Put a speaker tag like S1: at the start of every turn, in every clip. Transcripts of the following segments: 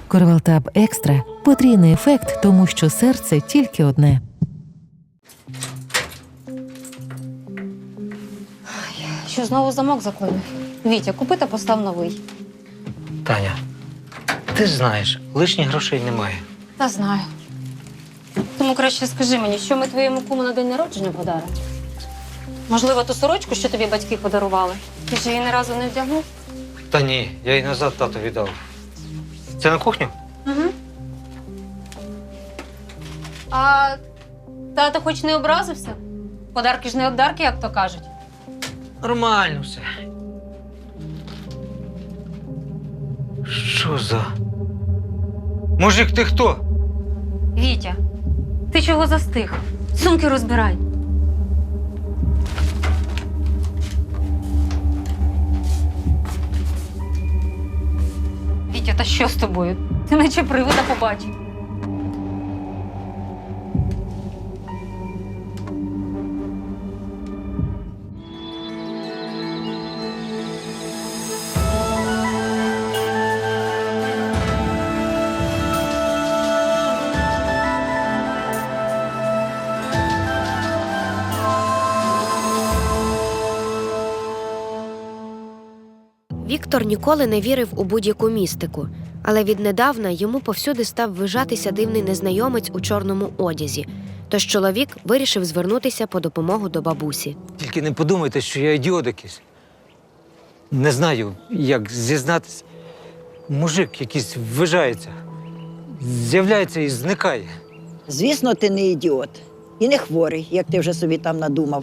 S1: Корвалтаб Екстра – потрійний ефект, тому що серце тільки одне.
S2: Що знову замок заклинив? Вітя, купи та постав новий.
S3: Таня, ти ж знаєш, лишніх грошей немає.
S2: Та знаю. Тому краще скажи мені, що ми твоєму куму на день народження подаримо? Можливо, ту сорочку, що тобі батьки подарували? Ти ж її ні разу не вдягнув?
S3: Та ні, я її назад тату віддав. Це на кухню?
S2: Угу. А тато хоч не образився? Подарки ж не обдарки, як то кажуть.
S3: Нормально все. Що за? Мужик, ти хто?
S2: Вітя, ти чого застиг? Сумки розбирай. Вітя, та що з тобою? Ти наче привида побачив.
S4: Віктор ніколи не вірив у будь-яку містику, але віднедавна йому повсюди став вижатися дивний незнайомець у чорному одязі. Тож чоловік вирішив звернутися по допомогу до бабусі.
S3: Тільки не подумайте, що я ідіот якийсь. Не знаю, як зізнатись. Мужик якийсь ввижається. З'являється і зникає.
S5: Звісно, ти не ідіот. І не хворий, як ти вже собі там надумав.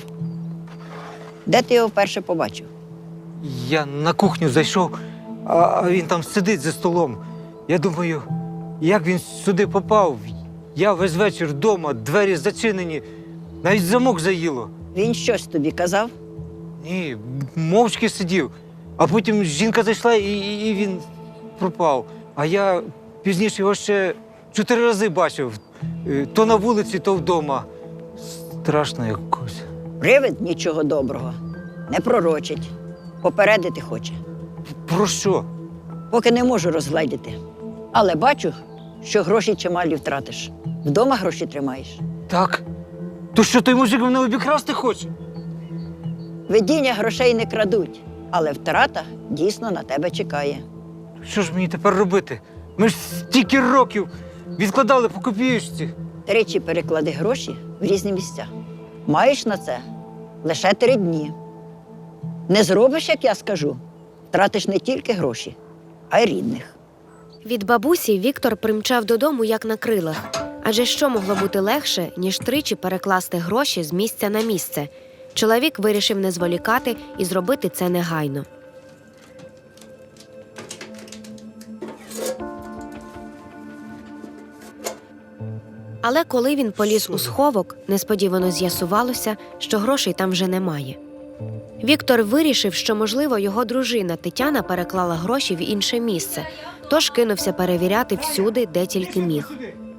S5: Де ти його вперше побачив?
S3: Я на кухню зайшов, а він там сидить за столом. Я думаю, як він сюди попав? Я весь вечір вдома, двері зачинені, навіть замок заїло.
S5: Він щось тобі казав?
S3: Ні, мовчки сидів. А потім жінка зайшла і він пропав. А я пізніше його ще 4 рази бачив. То на вулиці, то вдома. Страшно якось.
S5: Привид нічого доброго. Не пророчить. Попередити хоче.
S3: Про що?
S5: Поки не можу розгледіти. Але бачу, що гроші чималі втратиш. Вдома гроші тримаєш.
S3: Так? То що той мужик мене обікрасти хоче?
S5: Видіння грошей не крадуть, але втрата дійсно на тебе чекає.
S3: Що ж мені тепер робити? Ми ж стільки років відкладали по копієчці.
S5: 3 переклади гроші в різні місця. Маєш на це лише 3 дні. Не зробиш, як я скажу, втратиш не тільки гроші, а й рідних.
S4: Від бабусі Віктор примчав додому як на крилах. Адже що могло бути легше, ніж 3 перекласти гроші з місця на місце? Чоловік вирішив не зволікати і зробити це негайно. Але коли він поліз у сховок, несподівано з'ясувалося, що грошей там вже немає. Віктор вирішив, що, можливо, його дружина Тетяна переклала гроші в інше місце, тож кинувся перевіряти всюди, де тільки міг.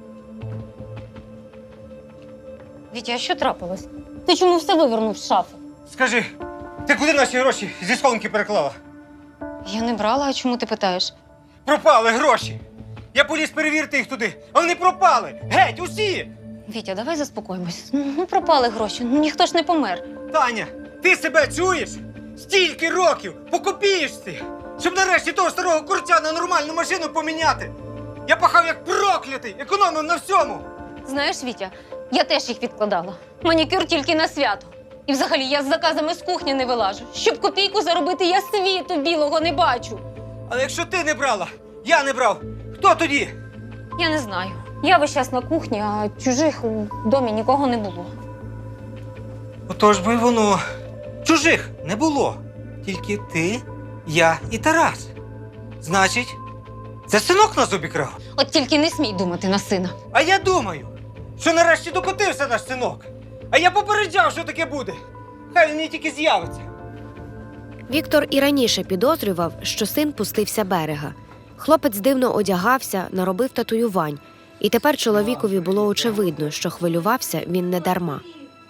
S2: Вітя, а що трапилось? Ти чому все вивернув з шафи?
S3: Скажи, ти куди наші гроші зі схованки переклала?
S2: Я не брала, а чому ти питаєш?
S3: Пропали гроші! Я поліз перевірити їх туди, а вони пропали! Геть, усі!
S2: Вітя, давай заспокоїмось. Ну, пропали гроші, ну ніхто ж не помер.
S3: Таня, ти себе чуєш? Стільки років по копієчці, щоб нарешті того старого курця на нормальну машину поміняти. Я пахав як проклятий, економив на всьому.
S2: Знаєш, Вітя, я теж їх відкладала. Манікюр тільки на свято. І взагалі я з заказами з кухні не вилажу. Щоб копійку заробити, я світу білого не бачу.
S3: Але якщо ти не брала, я не брав, хто тоді?
S2: Я не знаю. Я весь час на кухні, а чужих у домі нікого не було.
S3: Отож би воно. Чужих не було. Тільки ти, я і Тарас. Значить, це синок нас обікрав.
S2: От тільки не смій думати на сина.
S3: А я думаю, що нарешті докотився наш синок. А я попереджав, що таке буде. Хай він мені тільки з'явиться.
S4: Віктор і раніше підозрював, що син пустився берега. Хлопець дивно одягався, наробив татуювань. І тепер чоловікові було очевидно, що хвилювався він не дарма.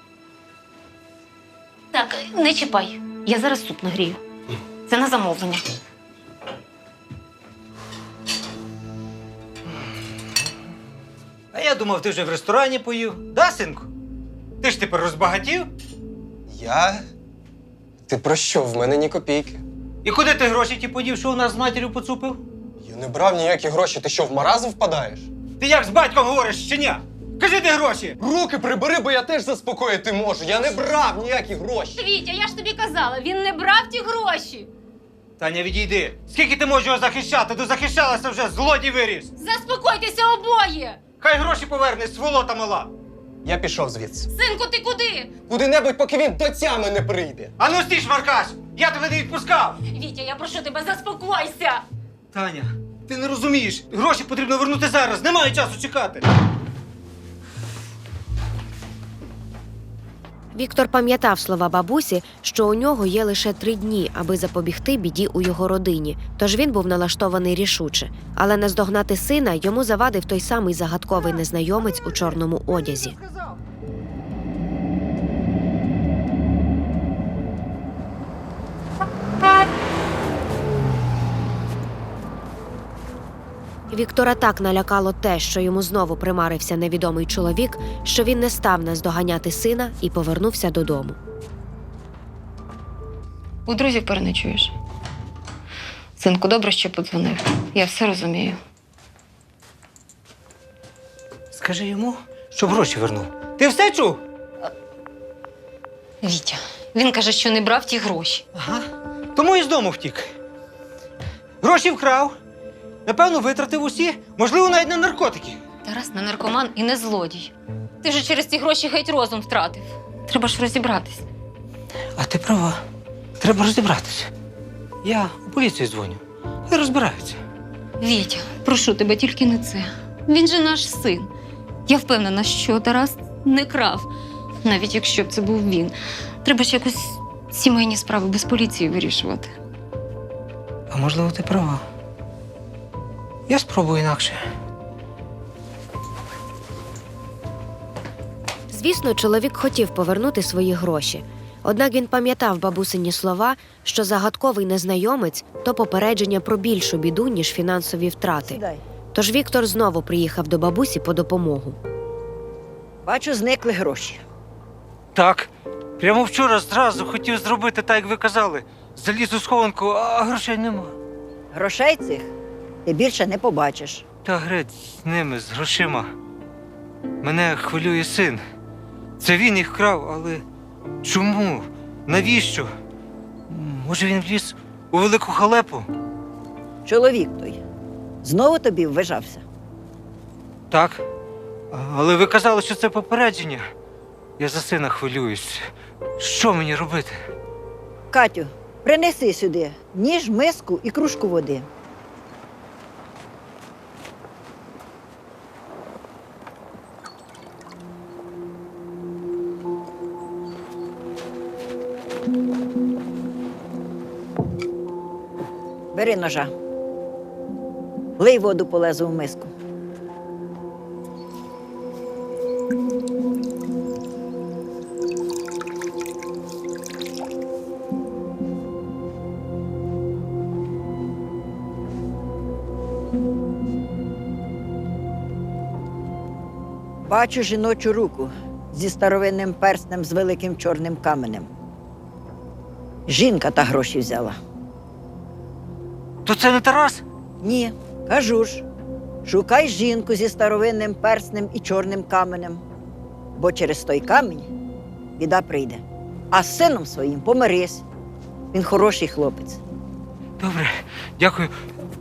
S2: Так, не чіпай. Я зараз суп нагрію. Це на замовлення.
S3: я думав, ти вже в ресторані поїв. Да, синку? Ти ж тепер розбагатів?
S6: Я? Ти про що? В мене ні копійки.
S3: І куди ти гроші ті подів, що у нас з матір'ю поцупив?
S6: Я не брав ніякі гроші. Ти що, в маразм впадаєш?
S3: Ти як з батьком говориш, щеня? Кажи, де гроші?
S6: Руки прибери, бо я теж заспокоїти можу. Я не брав ніякі гроші.
S2: Вітя, я ж тобі казала, він не брав ті гроші.
S3: Таня, відійди. Скільки ти можеш його захищати? Ти захищалася вже, злодій виріс.
S2: Заспокойтеся обоє!
S3: Хай гроші поверне, сволота мала.
S6: Я пішов звідси.
S2: Синку, ти куди?
S6: Куди-небудь, поки він до тями не прийде.
S3: А ну стій, Маркаш! Я тебе не відпускав!
S2: Вітя, я прошу тебе, заспокойся!
S3: Таня, ти не розумієш. Гроші потрібно вернути зараз. Немає часу чекати.
S4: Віктор пам'ятав слова бабусі, що у нього є лише 3 дні, аби запобігти біді у його родині, тож він був налаштований рішуче. Але наздогнати сина йому завадив той самий загадковий незнайомець у чорному одязі. Віктора так налякало те, що йому знову примарився невідомий чоловік, що він не став наздоганяти сина і повернувся додому.
S2: У друзів переночуєш. Синку, добре, що подзвонив. Я все розумію.
S3: Скажи йому, щоб гроші вернув. Ти все чув?
S2: Вітя, він каже, що не брав ті гроші.
S3: Ага. Тому і з дому втік. Гроші вкрав. Напевно, витратив усі. Можливо, навіть на наркотики.
S2: Тарас не наркоман і не злодій. Ти вже через ці гроші геть розум втратив. Треба ж розібратись.
S3: А ти права. Треба розібратися. Я у поліцію дзвоню. Хай розбираються.
S2: Вітя, прошу тебе, тільки не це. Він же наш син. Я впевнена, що Тарас не крав. Навіть якщо б це був він. Треба ж якось сімейні справи без поліції вирішувати.
S3: А можливо, ти права. Я спробую інакше.
S4: Звісно, чоловік хотів повернути свої гроші. Однак він пам'ятав бабусині слова, що загадковий незнайомець – то попередження про більшу біду, ніж фінансові втрати.
S5: Сідай.
S4: Тож Віктор знову приїхав до бабусі по допомогу.
S5: Бачу, зникли гроші.
S3: Так. Прямо вчора зразу хотів зробити так, як ви казали. Заліз у схованку, а грошей нема.
S5: Грошей цих ти більше не побачиш.
S3: Та греть з ними, з грошима. Мене хвилює син. Це він їх вкрав, але чому? Навіщо? Може, він вліз у велику халепу?
S5: Чоловік той знову тобі ввижався.
S3: Так. Але ви казали, що це попередження. Я за сина хвилююсь. Що мені робити?
S5: Катю, принеси сюди ніж, миску і кружку води. Бери ножа. Лий воду полезу в миску. Бачу жіночу руку зі старовинним перстнем з великим чорним каменем. Жінка та гроші взяла.
S3: То це не Тарас?
S5: Ні, кажу ж, шукай жінку зі старовинним перстнем і чорним каменем, бо через той камінь біда прийде. А з сином своїм помирись. Він хороший хлопець.
S3: Добре, дякую.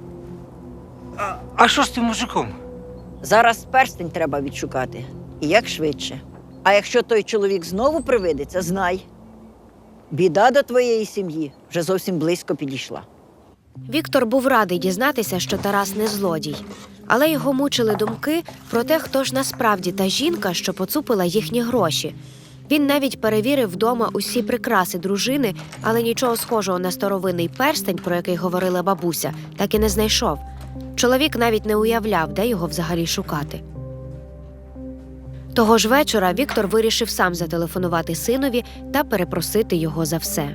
S3: А що з тим мужиком?
S5: Зараз перстень треба відшукати. І як швидше. А якщо той чоловік знову привидеться, знай. Біда до твоєї сім'ї вже зовсім близько підійшла.
S4: Віктор був радий дізнатися, що Тарас не злодій. Але його мучили думки про те, хто ж насправді та жінка, що поцупила їхні гроші. Він навіть перевірив вдома усі прикраси дружини, але нічого схожого на старовинний перстень, про який говорила бабуся, так і не знайшов. Чоловік навіть не уявляв, де його взагалі шукати. Того ж вечора Віктор вирішив сам зателефонувати синові та перепросити його за все.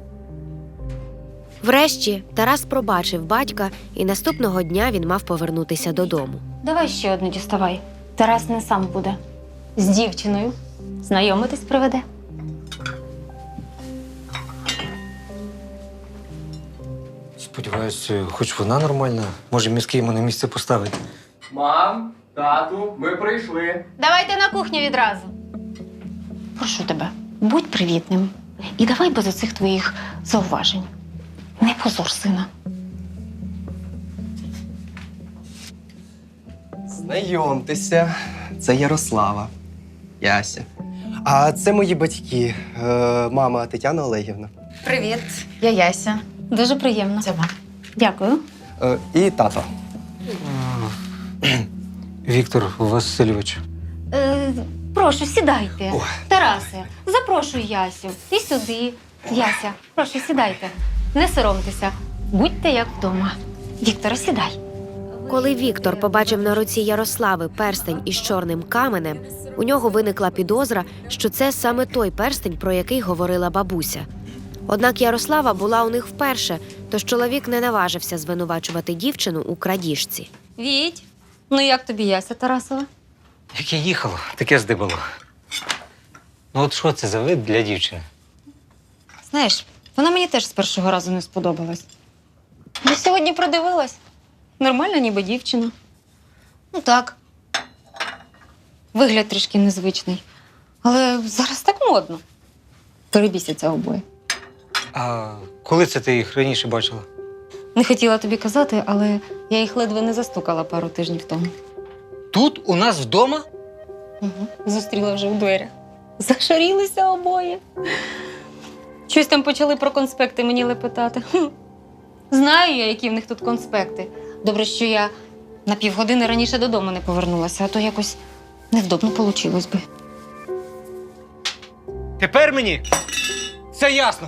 S4: Врешті Тарас пробачив батька, і наступного дня він мав повернутися додому.
S2: Давай ще одну діставай. Тарас не сам буде. З дівчиною. Знайомитись приведе.
S3: Сподіваюся, хоч вона нормальна. Може, мізки йому на місце поставить.
S7: Мам, тату, ми прийшли.
S2: Давайте на кухню відразу. Прошу тебе, будь привітним. І давай без оцих твоїх зауважень. Не позор сина.
S6: Знайомтеся, це Ярослава, Яся. А це мої батьки, мама Тетяна Олегівна.
S8: Привіт, я Яся.
S2: Дуже приємно.
S8: Це вам.
S2: Дякую.
S6: І тато.
S3: Віктор Васильович.
S2: Прошу, сідайте.
S6: О.
S2: Тарасе, запрошуй Ясю. І сюди. Яся, прошу, сідайте. Не соромтеся. Будьте як вдома. Вікторе, сідай.
S4: Коли Віктор побачив на руці Ярослави перстень із чорним каменем, у нього виникла підозра, що це саме той перстень, про який говорила бабуся. Однак Ярослава була у них вперше, тож чоловік не наважився звинувачувати дівчину у крадіжці.
S2: Віть, ну як тобі Яся Тарасова?
S3: Як я їхала, таке здибало. Ну от що це за вид для дівчини?
S2: Знаєш, вона мені теж з першого разу не сподобалась. Я сьогодні продивилась. Нормальна ніби дівчина. Ну так. Вигляд трішки незвичний. Але зараз так модно. Перебісяться обоє.
S3: А коли це ти їх раніше бачила?
S2: Не хотіла тобі казати, але я їх ледве не застукала пару тижнів тому.
S3: Тут у нас вдома?
S2: Угу. Зустріла вже в дверях. Зашарілися обоє. Щось там почали про конспекти мені лепетати. Знаю я, які в них тут конспекти. Добре, що я на півгодини раніше додому не повернулася, а то якось невдобно получилось би.
S3: Тепер мені все ясно.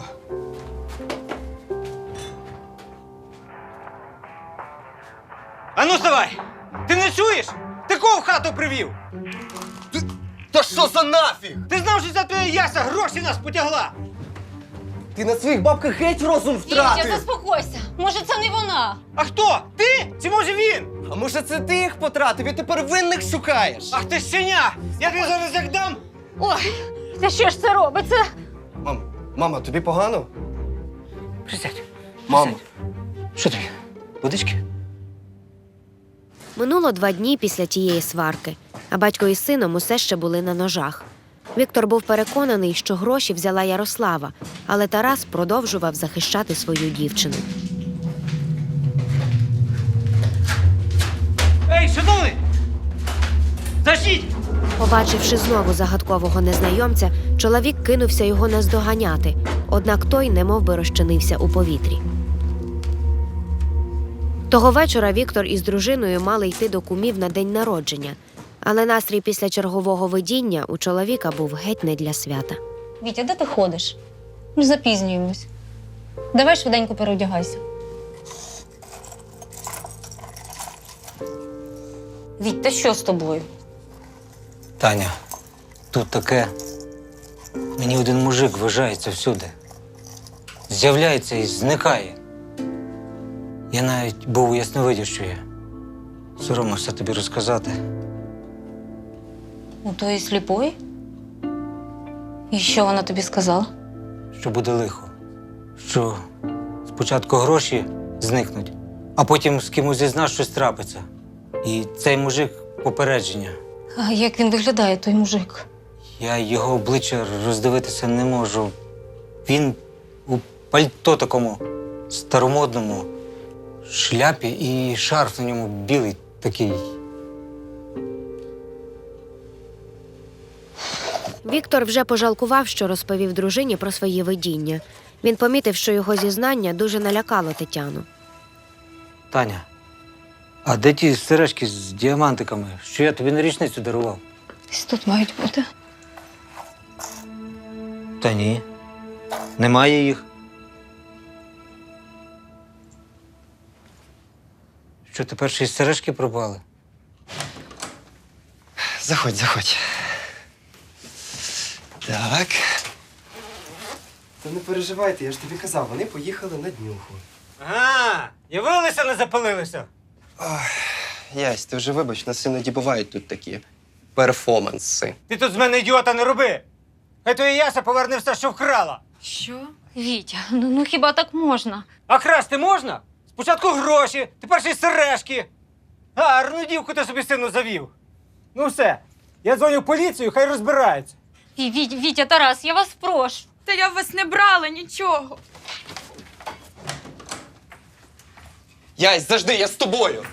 S3: Ану, вставай! Ти не чуєш? Ти кого в хату привів?
S6: Та що за нафіг?
S3: Ти знав, що ця твоя Яся гроші нас потягла?
S6: Ти на своїх бабках геть розум
S2: Вітя, заспокойся! Може, це не вона?
S3: А хто? Ти? Чи може він?
S6: А може це ти їх потратив і тепер винних шукаєш?
S3: Ах ти щеня! Я тобі зараз як дам!
S2: Ой, та що ж це робиться?
S6: Мама, тобі погано?
S3: Присядь.
S6: Мамо.
S3: Що тобі? Водички?
S4: Минуло 2 дні після тієї сварки, а батько із сином усе ще були на ножах. Віктор був переконаний, що гроші взяла Ярослава, але Тарас продовжував захищати свою дівчину.
S3: Ей, шановний! Заждіть!
S4: Побачивши знову загадкового незнайомця, чоловік кинувся його наздоганяти, однак той немов би розчинився у повітрі. Того вечора Віктор із дружиною мали йти до кумів на день народження, але настрій після чергового видіння у чоловіка був геть не для свята.
S2: Вітя, де ти ходиш? Ми запізнюємось. Давай швиденько переодягайся. Віть, та що з тобою?
S3: Таня, тут таке. Мені один мужик вважається всюди. З'являється і зникає. Я навіть був у ясновидящої. Соромився тобі розказати.
S2: У тої сліпої? І що вона тобі сказала?
S3: Що буде лихо. Що спочатку гроші зникнуть, а потім з кимось із нас щось трапиться. І цей мужик попередження.
S2: А як він виглядає, той мужик?
S3: Я його обличчя роздивитися не можу. Він у пальто такому старомодному, шляпі і шарф на ньому білий такий.
S4: Віктор вже пожалкував, що розповів дружині про свої видіння. Він помітив, що його зізнання дуже налякало Тетяну.
S3: Таня, а де ті сережки з діамантиками, що я тобі на річницю дарував?
S2: Десь тут мають бути.
S3: Та ні, немає їх. Що, тепер ще й сережки пропали?
S6: Заходь, заходь. Так. Та не переживайте, я ж тобі казав, вони поїхали на днюху.
S3: Ага, явилися, не запалилися.
S6: Ясь, ти вже вибач, нас іноді бувають тут такі. перформанси.
S3: Ти тут з мене ідіота не роби! Хай твоя Яся поверне все, що вкрала.
S2: Що? Вітя, ну хіба так можна?
S3: А красти можна? Спочатку гроші, тепер ще й сережки. Гарну дівку ти собі сину завів. Ну все, я дзвоню в поліцію, хай розбираються.
S2: Вітя, Тарас, я вас прошу.
S8: Та я в вас не брала нічого.
S6: Ясь, завжди, я з тобою!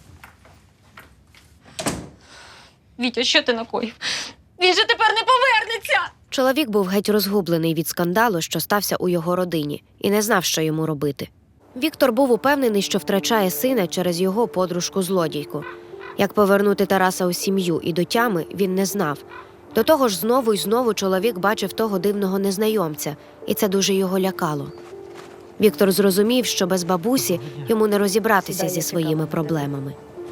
S2: Вітя, що ти накоїв? Він же тепер не повернеться!
S4: Чоловік був геть розгублений від скандалу, що стався у його родині, і не знав, що йому робити. Віктор був упевнений, що втрачає сина через його подружку-злодійку. Як повернути Тараса у сім'ю і до тями, він не знав. До того ж, знову й знову чоловік бачив того дивного незнайомця, і це дуже його лякало. Віктор зрозумів, що без бабусі йому не розібратися зі своїми проблемами.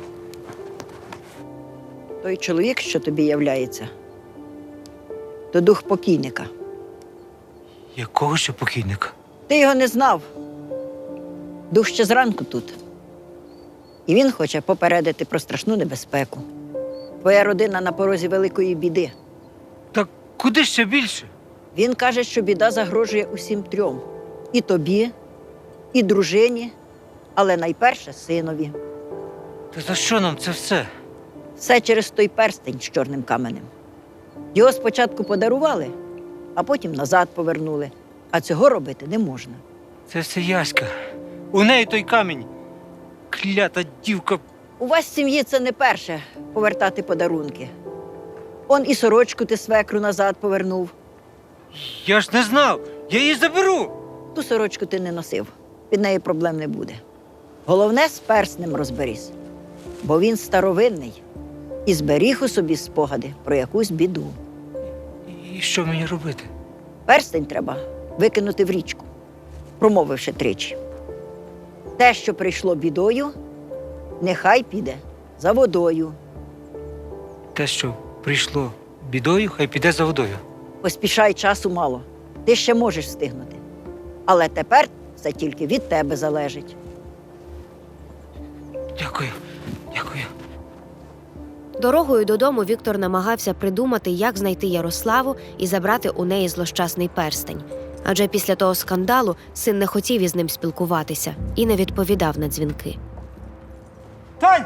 S5: Той чоловік, що тобі являється, то дух покійника.
S3: Якого ще покійника?
S5: Ти його не знав. Дух ще зранку тут. І він хоче попередити про страшну небезпеку. Твоя родина на порозі великої біди.
S3: Так куди ще більше?
S5: Він каже, що біда загрожує усім трьом. І тобі, і дружині, але найперше синові.
S3: Та за що нам це все?
S5: Все через той перстень з чорним каменем. Його спочатку подарували, а потім назад повернули. А цього робити не можна.
S3: Це все Яська. У неї той камінь. Клята дівка.
S5: У вас в сім'ї це не перше повертати подарунки. Он і сорочку ти свекру назад повернув.
S3: Я ж не знав. Я її заберу.
S5: Ту сорочку ти не носив. Від неї проблем не буде. Головне, з перснем розберись. Бо він старовинний і зберіг у собі спогади про якусь біду.
S3: І що мені робити?
S5: Перстень треба викинути в річку, промовивши тричі. Те, що прийшло бідою, нехай піде за водою.
S3: Те, що прийшло бідою, хай піде за водою.
S5: Поспішай, часу мало. Ти ще можеш встигнути. Але тепер це тільки від тебе залежить.
S3: Дякую. Дякую.
S4: Дорогою додому Віктор намагався придумати, як знайти Ярославу і забрати у неї злощасний перстень. Адже після того скандалу син не хотів із ним спілкуватися і не відповідав на дзвінки.
S3: Тань!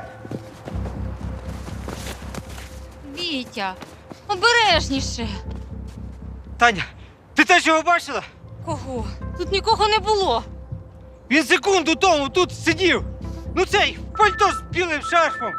S2: Вітя, обережніше.
S3: Таня, ти теж його бачила?
S2: Кого? Тут нікого не було.
S3: Він секунду тому тут сидів. Ну цей пальто з білим шарфом.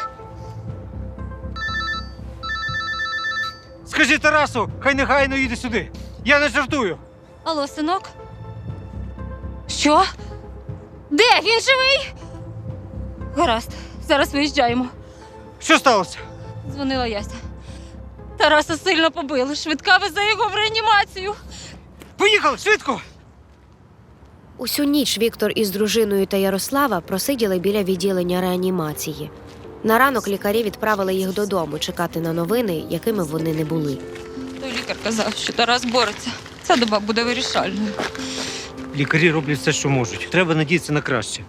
S3: Скажи Тарасу, хай негайно їде сюди. Я не жартую.
S2: Алло, синок? Що? Де? Він живий? Гаразд, зараз виїжджаємо.
S3: Що сталося?
S2: Дзвонила Яся. Тараса сильно побили. Швидка везе його в реанімацію.
S3: Поїхали, швидко!
S4: Усю ніч Віктор із дружиною та Ярослава просиділи біля відділення реанімації. На ранок лікарі відправили їх додому чекати на новини, якими вони не були.
S2: Той лікар казав, що Тарас бореться. Ця доба буде вирішальною.
S3: Лікарі роблять все, що можуть. Треба надіятися на краще.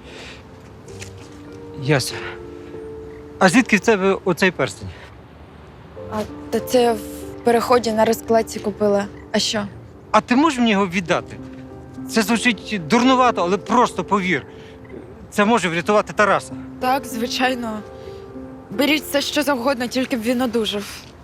S3: Яся, а звідки в тебе оцей перстень?
S8: Та це я в переході на розкладці купила. А що?
S3: А ти можеш мені його віддати? Це звучить дурнувато, але просто повір. Це може врятувати Тараса.
S8: Так, звичайно. Беріть все, що завгодно, тільки б він одужав.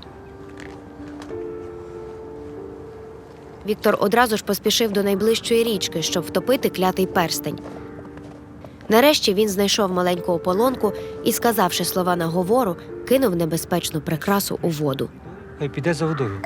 S4: Віктор одразу ж поспішив до найближчої річки, щоб втопити клятий перстень. Нарешті він знайшов маленьку ополонку і, сказавши слова наговору, кинув небезпечну прикрасу у воду.
S3: Хай піде за водою.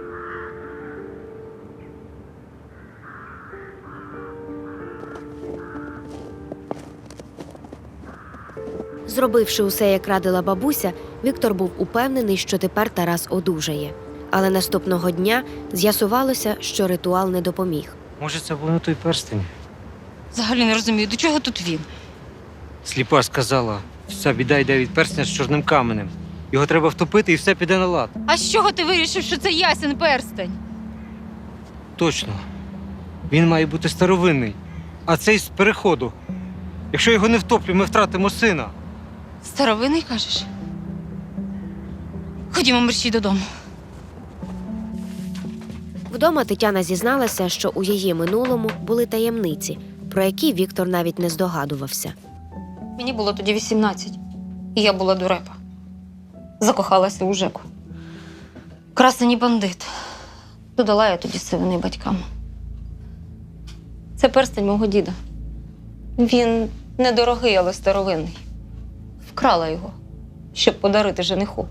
S4: Зробивши усе, як радила бабуся, Віктор був упевнений, що тепер Тарас одужає. Але наступного дня з'ясувалося, що ритуал не допоміг.
S3: Може, це був не той перстень?
S2: Взагалі не розумію, до чого тут він?
S3: Сліпа сказала, вся біда йде від перстня з чорним каменем. Його треба втопити і все піде на лад.
S2: А з чого ти вирішив, що це Ясин перстень?
S3: Точно. Він має бути старовинний. А цей з переходу. Якщо його не втоплю, ми втратимо сина.
S2: Старовинний, кажеш? Ходімо, мерщій додому.
S4: Вдома Тетяна зізналася, що у її минулому були таємниці, про які Віктор навіть не здогадувався.
S2: Мені було тоді 18, і я була дурепа. Закохалася у Жеку. Красень бандит. Додала я тоді сивини батькам. Це перстень мого діда. Він недорогий, але старовинний. Вкрала його, щоб подарити жениху.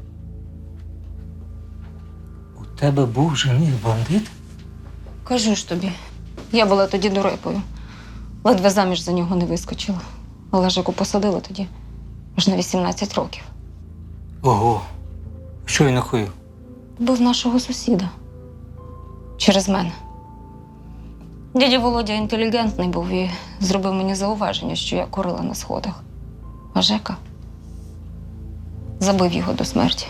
S3: У тебе був жених бандит?
S2: Кажу ж тобі, я була тоді дурепою. Ледве заміж за нього не вискочила. Але Жеку посадила тоді аж на 18 років.
S3: Ого. Що він накоїв?
S2: Був нашого сусіда. Через мене. Дядя Володя інтелігентний був і зробив мені зауваження, що я курила на сходах. А Жека забив його до смерті.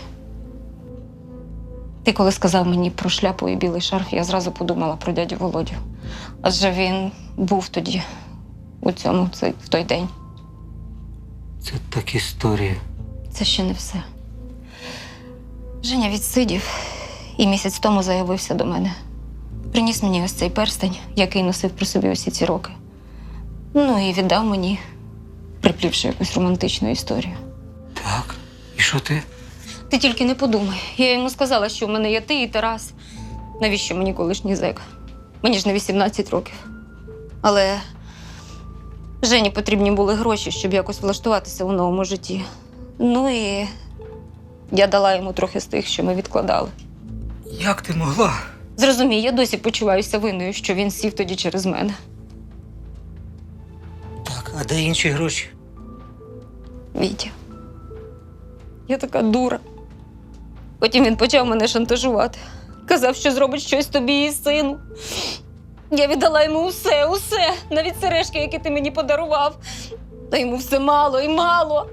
S2: Ти коли сказав мені про шляпу і білий шарф, я зразу подумала про дядю Володю. Адже він був тоді, в той день.
S3: Це так історія.
S2: Це ще не все. Женя відсидів і місяць тому заявився до мене. Приніс мені ось цей перстень, який носив при собі усі ці роки. Ну і віддав мені, приплівши якусь романтичну історію.
S3: Так. І що ти?
S2: Ти тільки не подумай. Я йому сказала, що в мене є ти і Тарас. Навіщо мені колишній зек? Мені ж не 18 років. Але Жені потрібні були гроші, щоб якось влаштуватися у новому житті. Ну і я дала йому трохи з тих, що ми відкладали.
S3: Як ти могла?
S2: Зрозумій, я досі почуваюся винною, що він сів тоді через мене.
S3: Так, а де інші гроші?
S2: Вітя, я така дура. Потім він почав мене шантажувати. Казав, що зробить щось тобі і сину. Я віддала йому усе, навіть сережки, які ти мені подарував. Та йому все мало і мало.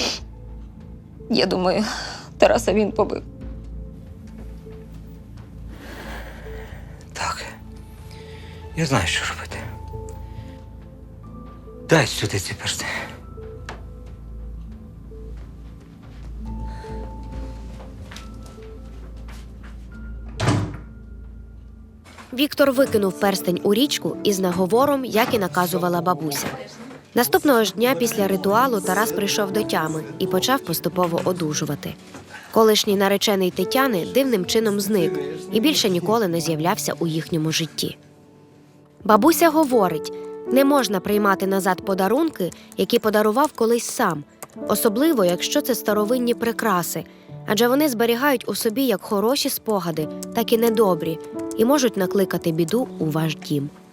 S2: Я думаю, Тараса він побив.
S3: Так. Я знаю, що робити. Дай сюди ці персти.
S4: Віктор викинув перстень у річку із наговором, як і наказувала бабуся. Наступного ж дня після ритуалу Тарас прийшов до тями і почав поступово одужувати. Колишній наречений Тетяни дивним чином зник і більше ніколи не з'являвся у їхньому житті. Бабуся говорить, не можна приймати назад подарунки, які подарував колись сам, особливо, якщо це старовинні прикраси, адже вони зберігають у собі як хороші спогади, так і недобрі, і можуть накликати біду у ваш дім.